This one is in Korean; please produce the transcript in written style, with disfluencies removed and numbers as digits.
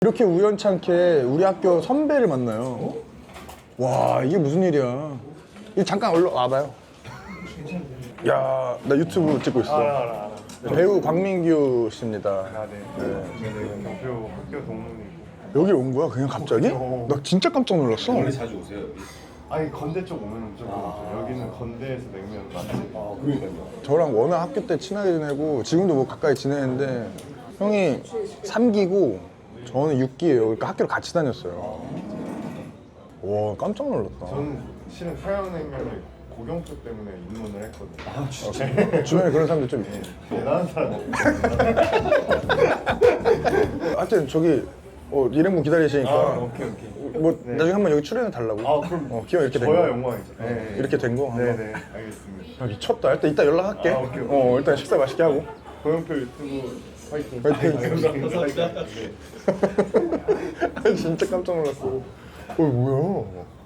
이렇게 우연찮게 우리 학교 선배를 만나요. 와, 이게 무슨 일이야. 이 잠깐 얼른 와봐요. 야, 나 유튜브 찍고 있어. 알아. 배우 광민규 씨입니다. 아, 네. 네. 대표 학교 동문이고. 여기 온 거야? 그냥 갑자기? 나 진짜 깜짝 놀랐어. 원래 자주 오세요 여기? 아니 건대 쪽 오면 무조건 오죠. 여기는 건대에서 냉면 맛집. 아 그러니까요. 저랑 워낙 학교 때 친하게 지내고 지금도 뭐 가까이 지내는데 형이 3기고 저는 6기예요. 그러니까 학교를 같이 다녔어요. 와, 깜짝 놀랐다. 저는 실은 사양냉면을 고경표 때문에 입문을 했거든요. 아 진짜? 주변에 그런 사람들 좀 있지. 대단한 사람 없거든요. 하여튼 저기 일행분 기다리시니까 오케이. 뭐 나중에 한번 여기 출연해 달라고. 아 그럼 기왕 이렇게 된 저야 거. 영광이죠. 네. 이렇게 된 거. 한번. 네네 알겠습니다. 야, 미쳤다. 일단 이따 연락할게. 아, 오케이. 일단 식사 맛있게 하고. 고경표 유튜브 화이팅. 화이팅. 화이팅. 네. 진짜 깜짝 놀랐어. 뭐야?